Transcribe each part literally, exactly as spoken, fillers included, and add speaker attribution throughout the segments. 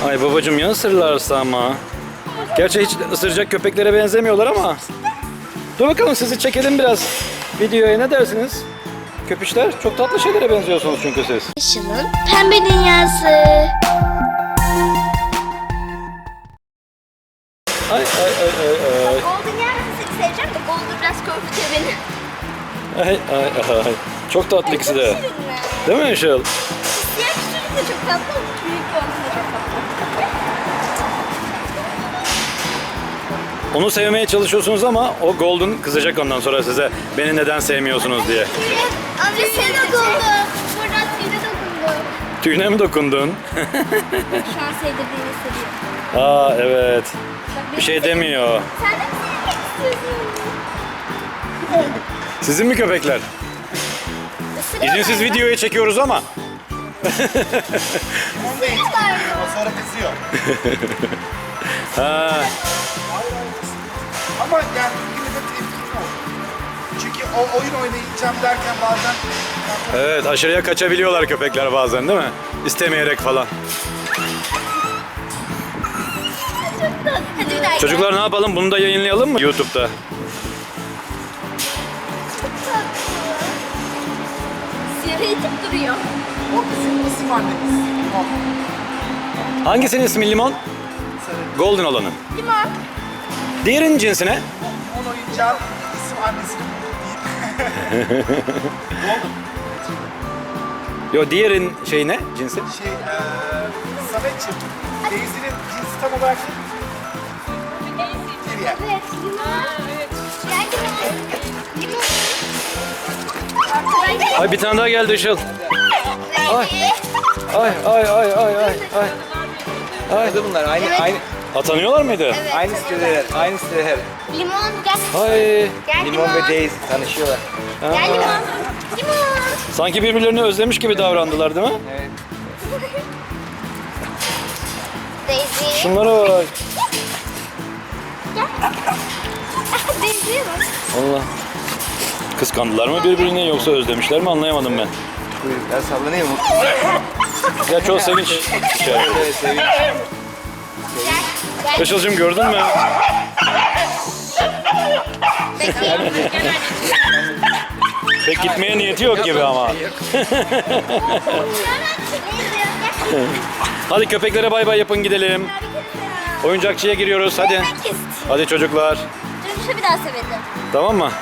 Speaker 1: Ay babacığım ya ısırırlarsa ama. Gerçi hiç ısıracak köpeklere benzemiyorlar ama. Dur bakalım sizi çekelim biraz videoya, ne dersiniz? Köpüşler çok tatlı şeylere benziyorsunuz çünkü siz.
Speaker 2: Işıl'ın pembe dünyası.
Speaker 1: Ay ay ay ay ay.
Speaker 2: Golden yersin seni seveceğim de Golden biraz korkutuyor beni.
Speaker 1: Ay ay ay. Çok tatlı ikisi de. Değil mi Işıl?
Speaker 2: Diğer küçücük de çok tatlı. Büyük Golden da çok tatlı.
Speaker 1: Onu sevmeye çalışıyorsunuz ama o Golden kızacak ondan sonra size. Beni neden sevmiyorsunuz diye.
Speaker 2: Amca sen dokundu. Buradan tüyüne dokundu.
Speaker 1: Tüyüne mi dokundun?
Speaker 2: Şu an sevdirdiğini hissediyor.
Speaker 1: Aa evet.
Speaker 2: Bak,
Speaker 1: Bir şey demiyor.
Speaker 2: Sen de mi sevmek istiyorsun?
Speaker 1: Sizin mi köpekler? İzinsiz videoya çekiyoruz ama.
Speaker 3: O sonra kızıyor.
Speaker 1: Ha.
Speaker 3: Ama yani yine de tepkili ol. Çünkü o oyun oynayacağım derken bazen
Speaker 1: Evet, aşırıya kaçabiliyorlar köpekler bazen değil mi? İstemeyerek falan.
Speaker 2: Hadi bir daha.
Speaker 1: Çocuklar ne yapalım? Bunu da yayınlayalım mı YouTube'da?
Speaker 2: Siyahı itip duruyor.
Speaker 3: o bizim isim annemiz. O.
Speaker 1: Hangisinin ismi limon? Golden olanın.
Speaker 2: Limon.
Speaker 1: Diğerinin cinsi ne?
Speaker 3: On oyuncağın isim annesinin değil.
Speaker 1: Yo, diğerin şey ne? Cinsi?
Speaker 3: Şey, eee Samet'ciğim, Daisy'nin cinsi tam olarak ne? Kirya.
Speaker 2: Evet, limon. Gel limon. Limon. Arkadan
Speaker 1: Ay bir tane daha geldi Işıl. Ay.
Speaker 2: gel.
Speaker 1: Ay ay ay ay ay ay. Ay.
Speaker 4: Bunlar aynı
Speaker 2: Evet.
Speaker 4: aynı
Speaker 1: Atanıyorlar mıydı?
Speaker 2: Evet.
Speaker 4: aynı siteler, aynı siteler.
Speaker 2: Limon gel.
Speaker 1: Ay.
Speaker 2: Gel
Speaker 4: Limon ve Daisy tanışıyorlar.
Speaker 2: Gel limon. Limon.
Speaker 1: Sanki birbirlerini özlemiş gibi davrandılar değil mi?
Speaker 4: Evet.
Speaker 2: Daisy.
Speaker 1: Şunlara bak.
Speaker 2: Daisy'ye bak.
Speaker 1: Allah. Kıskandılar mı birbirini yoksa özlemişler mi anlayamadım ben.
Speaker 4: Kuyruklar sallanıyor mu?
Speaker 1: Ya çok sevinç. içeride.
Speaker 4: Evet, sevinç.
Speaker 2: Gel. Gel.
Speaker 1: Işıl'cığım gördün mü? Pek gitmeye niyeti yok gibi ama. Hadi köpeklere bay bay yapın gidelim. Oyuncakçıya giriyoruz hadi. Hadi çocuklar.
Speaker 2: Dönüşe bir daha sevelim.
Speaker 1: Tamam mı?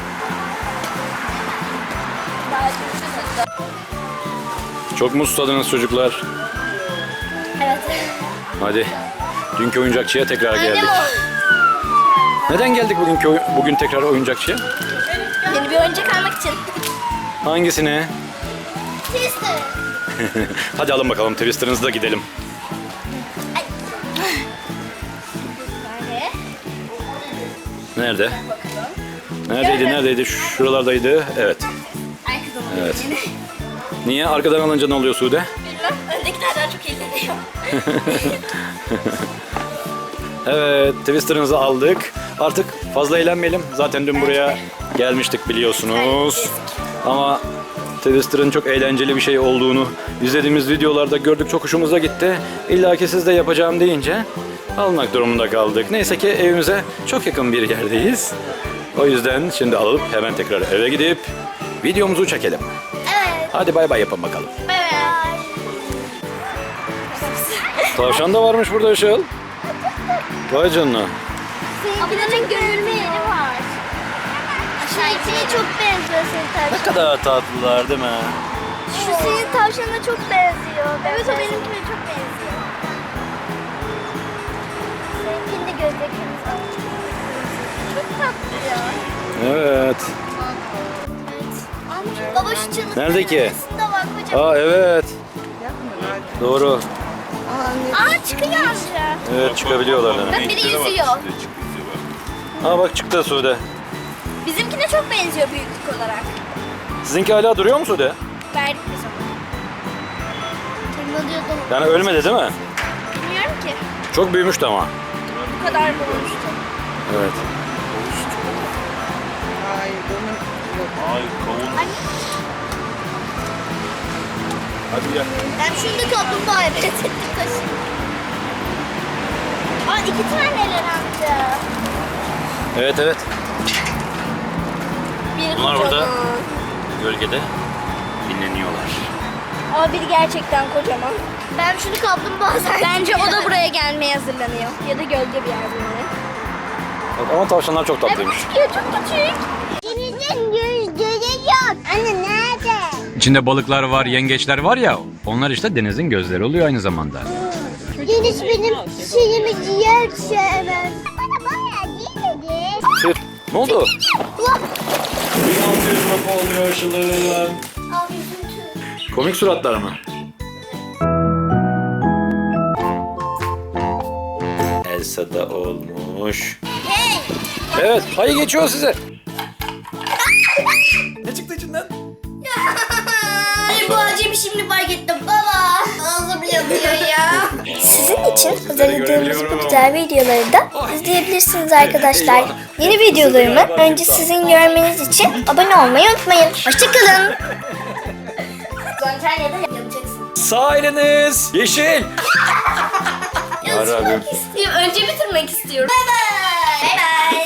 Speaker 1: Çok mu susadınız çocuklar?
Speaker 2: Evet.
Speaker 1: Hadi. Dünkü oyuncakçıya tekrar geldik.
Speaker 2: Annem o.
Speaker 1: Neden geldik bugünkü oy- bugün tekrar oyuncakçıya?
Speaker 2: Yeni bir oyuncak almak için.
Speaker 1: Hangisini?
Speaker 2: Twister.
Speaker 1: Hadi alın bakalım Twister'ınızı da gidelim.
Speaker 2: Nerede?
Speaker 1: Nerede? Neredeydi, neredeydi? Şuralardaydı. Evet.
Speaker 2: Ay kızım.
Speaker 1: Evet. Niye? Arkadan alınca ne oluyor Sude?
Speaker 2: Bilmem. Öndekilerden çok eğleniyor.
Speaker 1: Evet, Twister'ınızı aldık. Artık fazla eğlenmeyelim. Zaten dün buraya gelmiştik biliyorsunuz. Ama Twister'ın çok eğlenceli bir şey olduğunu izlediğimiz videolarda gördük. Çok hoşumuza gitti. İlla ki siz de yapacağım deyince almak durumunda kaldık. Neyse ki evimize çok yakın bir yerdeyiz. O yüzden şimdi alıp hemen tekrar eve gidip videomuzu çekelim.
Speaker 2: Evet.
Speaker 1: Hadi bay bay yapın bakalım.
Speaker 2: Bye bye.
Speaker 1: Tavşan da varmış burada Işıl. Vay canına.
Speaker 2: Ablanın görülme yeri var. Aşağı içine çok benziyor senin tavşan.
Speaker 1: Ne kadar tatlılar değil mi?
Speaker 2: Şu senin tavşanına çok benziyor. Evet o benimkine çok benziyor. Seninkinin de gözleri kırmızı. Çok tatlı ya.
Speaker 1: Evet.
Speaker 2: Evet. Baba şu çığlık.
Speaker 1: Nerede ki?
Speaker 2: Bak kocaman.
Speaker 1: Aa evet. Doğru.
Speaker 2: Aa çıkıyor amca.
Speaker 1: Evet çıkabiliyorlar.
Speaker 2: Bak
Speaker 1: Yani.
Speaker 2: biri yüzüyor.
Speaker 1: Aa bak çıktı Sude.
Speaker 2: Bizimkine çok benziyor büyüklük olarak.
Speaker 1: Sizinki hala duruyor mu Sude?
Speaker 2: Verdik biz onu. Tırmalıyordum.
Speaker 1: Yani ölmedi değil mi?
Speaker 2: Bilmiyorum ki.
Speaker 1: Çok büyümüştü ama.
Speaker 2: Bu kadar mı olmuştu?
Speaker 1: Evet.
Speaker 2: Ben şunu da kaplumbağaya benzettim taşıyayım. Aa iki taneler amca.
Speaker 1: Evet evet.
Speaker 2: Biri
Speaker 1: Bunlar burada.
Speaker 2: kocaman.
Speaker 1: Gölgede dinleniyorlar.
Speaker 2: Ama biri gerçekten kocaman. Ben şunu kaplumbağa sanki. Bence o da buraya gelmeye hazırlanıyor. Ya da gölge bir yer böyle.
Speaker 1: Evet, ama tavşanlar çok tatlıymış.
Speaker 2: Ya çok küçük. Denizin gözleri yok. Anne nerede?
Speaker 1: İçinde balıklar var, yengeçler var ya. Onlar işte denizin gözleri oluyor aynı zamanda.
Speaker 2: Deniz benim şeyimi ciğer sevmez. Bana bayağı değil dedi.
Speaker 1: Şey, ne oldu?
Speaker 2: Allah.
Speaker 1: bin altı yüz lira oluyor aşılığım.
Speaker 2: Al üzüntü.
Speaker 1: Komik suratlar mı? Elsa da olmuş.
Speaker 2: Hey.
Speaker 1: Evet, ayı geçiyor size. Ne çıktı içinden?
Speaker 2: Ay bu acemi şimdi fark ettim baba. Ağzım yanıyor ya. Sizin için hazırladığımız bu güzel videoları da izleyebilirsiniz arkadaşlar. Yeni videolarımı önce sizin görmeniz için abone olmayı unutmayın. Hoşçakalın. Antalya'da yapacaksın.
Speaker 1: Sağ eliniz yeşil.
Speaker 2: Yazmak istiyorum. Önce bitirmek istiyorum. Bye bye.